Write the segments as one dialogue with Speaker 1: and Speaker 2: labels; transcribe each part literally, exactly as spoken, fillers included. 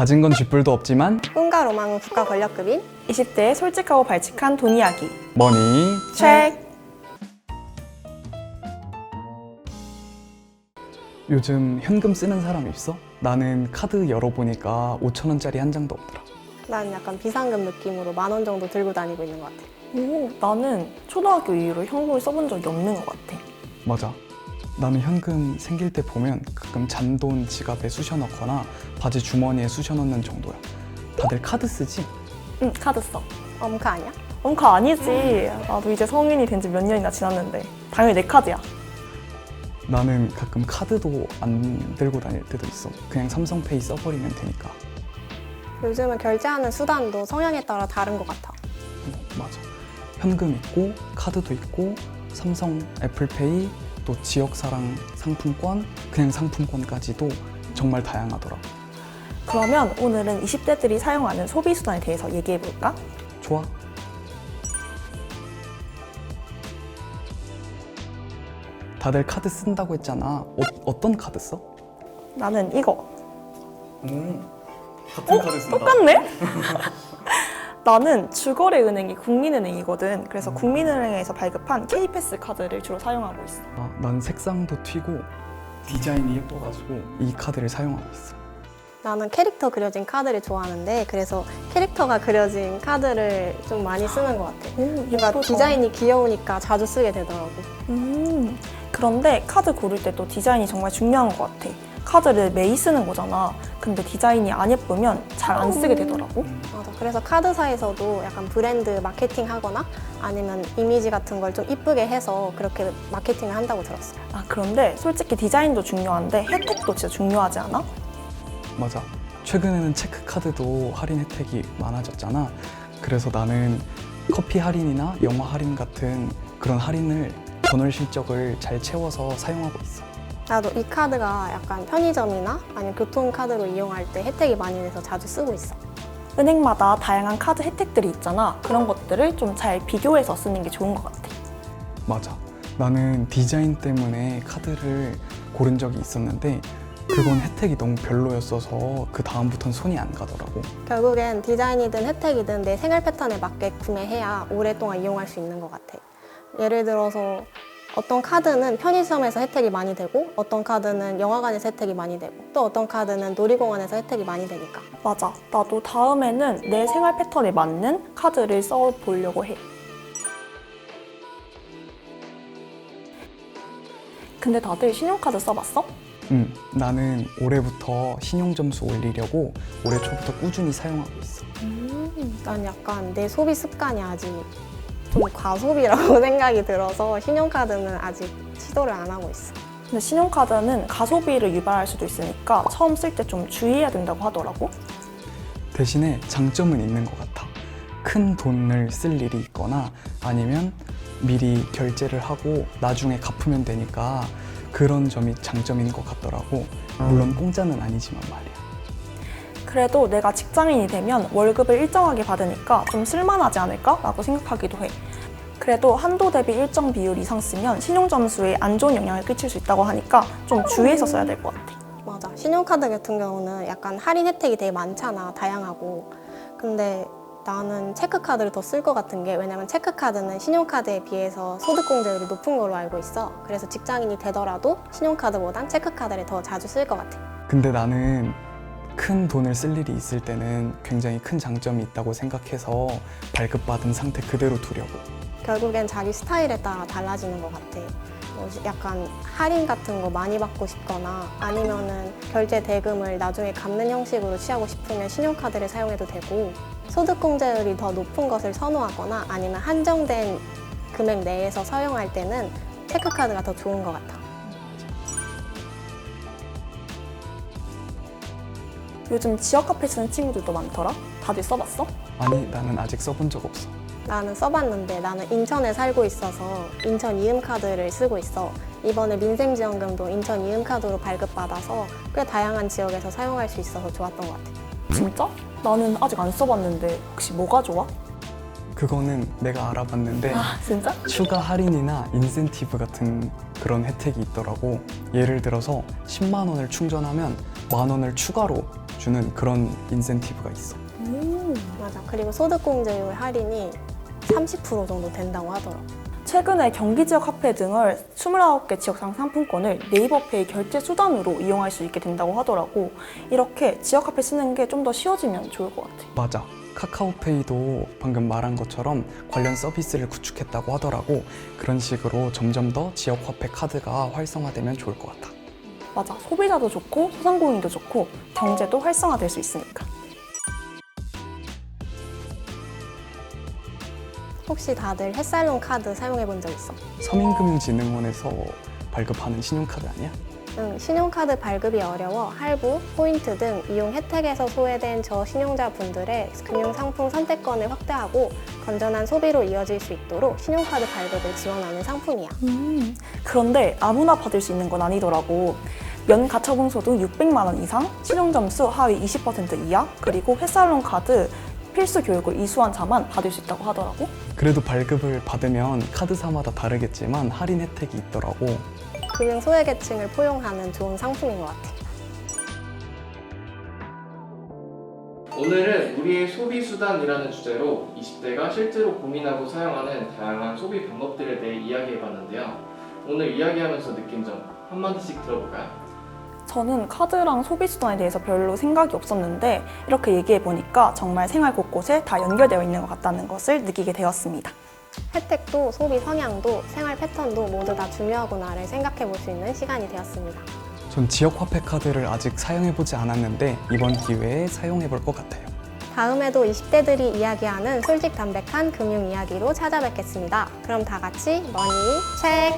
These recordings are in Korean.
Speaker 1: 가진 건 쥐뿔도 없지만
Speaker 2: 꿈과 로망은 국가 권력급인
Speaker 3: 이십 대의 솔직하고 발칙한 돈 이야기.
Speaker 1: 머니
Speaker 3: 책!
Speaker 1: 요즘 현금 쓰는 사람 있어? 나는 카드 열어보니까 오천 원짜리 한 장도 없더라.
Speaker 2: 난 약간 비상금 느낌으로 만 원 정도 들고 다니고 있는 것 같아.
Speaker 3: 오, 나는 초등학교 이후로 현금을 써본 적이 없는 것 같아.
Speaker 1: 맞아. 나는 현금 생길 때 보면 가끔 잔돈 지갑에 쑤셔 넣거나 바지 주머니에 쑤셔 넣는 정도야. 다들 카드 쓰지?
Speaker 3: 응, 카드 써.
Speaker 2: 엄카 아니야?
Speaker 3: 엄카 아니지. 나도 이제 성인이 된 지 몇 년이나 지났는데 당연히 내 카드야.
Speaker 1: 나는 가끔 카드도 안 들고 다닐 때도 있어. 그냥 삼성페이 써버리면 되니까.
Speaker 2: 요즘은 결제하는 수단도 성향에 따라 다른 것 같아.
Speaker 1: 어, 맞아. 현금 있고 카드도 있고 삼성, 애플페이, 또 지역사랑 상품권, 그냥 상품권까지도 정말 다양하더라.
Speaker 3: 그러면 오늘은 이십 대들이 사용하는 소비 수단에 대해서 얘기해볼까?
Speaker 1: 좋아. 다들 카드 쓴다고 했잖아. 어, 어떤 카드 써?
Speaker 3: 나는 이거.
Speaker 1: 음, 같은 카드 쓴다.
Speaker 3: 똑같네? 나는 주거래 은행이 국민은행이거든. 그래서 국민은행에서 발급한 K패스 카드를 주로 사용하고 있어.
Speaker 1: 아, 난 색상도 튀고 디자인이 예뻐가지고 이 카드를 사용하고 있어.
Speaker 2: 나는 캐릭터 그려진 카드를 좋아하는데 그래서 캐릭터가 그려진 카드를 좀 많이 쓰는 것 같아.
Speaker 3: 오,
Speaker 2: 뭔가
Speaker 3: 예쁘다.
Speaker 2: 디자인이 귀여우니까 자주 쓰게 되더라고.
Speaker 3: 음, 그런데 카드 고를 때 또 디자인이 정말 중요한 것 같아. 카드를 매일 쓰는 거잖아. 근데 디자인이 안 예쁘면 잘 안 쓰게 되더라고.
Speaker 2: 맞아. 그래서 카드사에서도 약간 브랜드 마케팅 하거나 아니면 이미지 같은 걸 좀 이쁘게 해서 그렇게 마케팅을 한다고 들었어.
Speaker 3: 아, 그런데 솔직히 디자인도 중요한데 혜택도 진짜 중요하지 않아?
Speaker 1: 맞아. 최근에는 체크카드도 할인 혜택이 많아졌잖아. 그래서 나는 커피 할인이나 영화 할인 같은 그런 할인을 전월 실적을 잘 채워서 사용하고 있어.
Speaker 2: 나도 이 카드가 약간 편의점이나 아니면 교통카드로 이용할 때 혜택이 많이 돼서 자주 쓰고 있어.
Speaker 3: 은행마다 다양한 카드 혜택들이 있잖아. 그런 것들을 좀 잘 비교해서 쓰는 게 좋은 것 같아.
Speaker 1: 맞아. 나는 디자인 때문에 카드를 고른 적이 있었는데 그건 혜택이 너무 별로였어서 그 다음부터는 손이 안 가더라고.
Speaker 2: 결국엔 디자인이든 혜택이든 내 생활 패턴에 맞게 구매해야 오랫동안 이용할 수 있는 것 같아. 예를 들어서 어떤 카드는 편의점에서 혜택이 많이 되고 어떤 카드는 영화관에서 혜택이 많이 되고 또 어떤 카드는 놀이공원에서 혜택이 많이 되니까.
Speaker 3: 맞아. 나도 다음에는 내 생활 패턴에 맞는 카드를 써보려고 해. 근데 다들 신용카드 써봤어?
Speaker 1: 응, 나는 올해부터 신용 점수 올리려고 올해 초부터 꾸준히 사용하고 있어.
Speaker 2: 음, 난 약간 내 소비 습관이 아직 좀 과소비라고 생각이 들어서 신용카드는 아직 시도를 안 하고 있어.
Speaker 3: 근데 신용카드는 가소비를 유발할 수도 있으니까 처음 쓸 때 좀 주의해야 된다고 하더라고.
Speaker 1: 대신에 장점은 있는 것 같아. 큰 돈을 쓸 일이 있거나 아니면 미리 결제를 하고 나중에 갚으면 되니까 그런 점이 장점인 것 같더라고. 물론 공짜는 아니지만 말이야.
Speaker 3: 그래도 내가 직장인이 되면 월급을 일정하게 받으니까 좀 쓸만하지 않을까? 라고 생각하기도 해. 그래도 한도 대비 일정 비율 이상 쓰면 신용점수에 안 좋은 영향을 끼칠 수 있다고 하니까 좀 주의해서 써야 될 것 같아.
Speaker 2: 맞아. 신용카드 같은 경우는 약간 할인 혜택이 되게 많잖아. 다양하고. 근데 나는 체크카드를 더 쓸 것 같은 게 왜냐면 체크카드는 신용카드에 비해서 소득공제율이 높은 걸로 알고 있어. 그래서 직장인이 되더라도 신용카드보단 체크카드를 더 자주 쓸 것 같아.
Speaker 1: 근데 나는 큰 돈을 쓸 일이 있을 때는 굉장히 큰 장점이 있다고 생각해서 발급받은 상태 그대로 두려고.
Speaker 2: 결국엔 자기 스타일에 따라 달라지는 것 같아. 뭐 약간 할인 같은 거 많이 받고 싶거나 아니면은 결제 대금을 나중에 갚는 형식으로 취하고 싶으면 신용카드를 사용해도 되고 소득공제율이 더 높은 것을 선호하거나 아니면 한정된 금액 내에서 사용할 때는 체크카드가 더 좋은 것 같아.
Speaker 3: 요즘 지역 카페 쓰는 친구들도 많더라? 다들 써봤어?
Speaker 1: 아니, 나는 아직 써본 적 없어.
Speaker 2: 나는 써봤는데 나는 인천에 살고 있어서 인천 이음카드를 쓰고 있어. 이번에 민생지원금도 인천 이음카드로 발급받아서 꽤 다양한 지역에서 사용할 수 있어서 좋았던 것 같아.
Speaker 3: 진짜? 나는 아직 안 써봤는데 혹시 뭐가 좋아?
Speaker 1: 그거는 내가 알아봤는데
Speaker 3: 아, 진짜?
Speaker 1: 추가 할인이나 인센티브 같은 그런 혜택이 있더라고. 예를 들어서 십만 원을 충전하면 만 원을 추가로 주는 그런 인센티브가 있어.
Speaker 2: 맞아. 그리고 소득공제율 할인이 삼십 퍼센트 정도 된다고 하더라고.
Speaker 3: 최근에 경기 지역 화폐 등을 이십구 개 지역상 상품권을 네이버페이 결제 수단으로 이용할 수 있게 된다고 하더라고. 이렇게 지역 화폐 쓰는 게 좀 더 쉬워지면 좋을 것 같아.
Speaker 1: 맞아. 카카오페이도 방금 말한 것처럼 관련 서비스를 구축했다고 하더라고. 그런 식으로 점점 더 지역 화폐 카드가 활성화되면 좋을 것 같아.
Speaker 3: 맞아. 소비자도 좋고 소상공인도 좋고 경제도 활성화될 수 있으니까.
Speaker 2: 혹시 다들 햇살론 카드 사용해 본 적 있어?
Speaker 1: 서민금융진흥원에서 발급하는 신용카드 아니야?
Speaker 2: 응, 신용카드 발급이 어려워 할부, 포인트 등 이용 혜택에서 소외된 저신용자분들의 금융상품 선택권을 확대하고 건전한 소비로 이어질 수 있도록 신용카드 발급을 지원하는 상품이야.
Speaker 3: 음, 그런데 아무나 받을 수 있는 건 아니더라고. 연 가처분 소득 육백만 원 이상, 신용점수 하위 이십 퍼센트 이하, 그리고 햇살론 카드 필수 교육을 이수한 자만 받을 수 있다고 하더라고.
Speaker 1: 그래도 발급을 받으면 카드사마다 다르겠지만 할인 혜택이 있더라고.
Speaker 2: 금융 소외계층을 포용하는 좋은 상품인 것 같아.
Speaker 4: 오늘은 우리의 소비수단이라는 주제로 이십 대가 실제로 고민하고 사용하는 다양한 소비 방법들에 대해 이야기해봤는데요. 오늘 이야기하면서 느낀 점 한마디씩 들어볼까요?
Speaker 3: 저는 카드랑 소비수단에 대해서 별로 생각이 없었는데 이렇게 얘기해보니까 정말 생활 곳곳에 다 연결되어 있는 것 같다는 것을 느끼게 되었습니다.
Speaker 2: 혜택도 소비 성향도 생활 패턴도 모두 다 중요하구나를 생각해 볼 수 있는 시간이 되었습니다.
Speaker 1: 전 지역 화폐 카드를 아직 사용해보지 않았는데 이번 기회에 사용해볼 것 같아요.
Speaker 2: 다음에도 이십 대들이 이야기하는 솔직 담백한 금융 이야기로 찾아뵙겠습니다. 그럼 다 같이 머니 체크!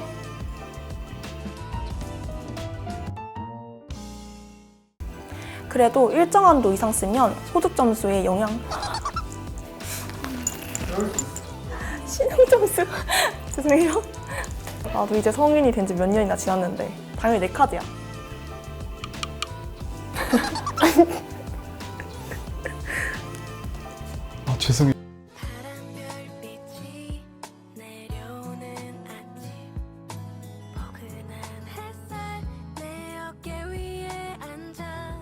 Speaker 3: 그래도 일정 한도 이상 쓰면 소득 점수에 영향... 신용 점수... 죄송해요. 나도 이제 성인이 된 지 몇 년이나 지났는데 당연히 내 카드야.
Speaker 1: 아 죄송해요.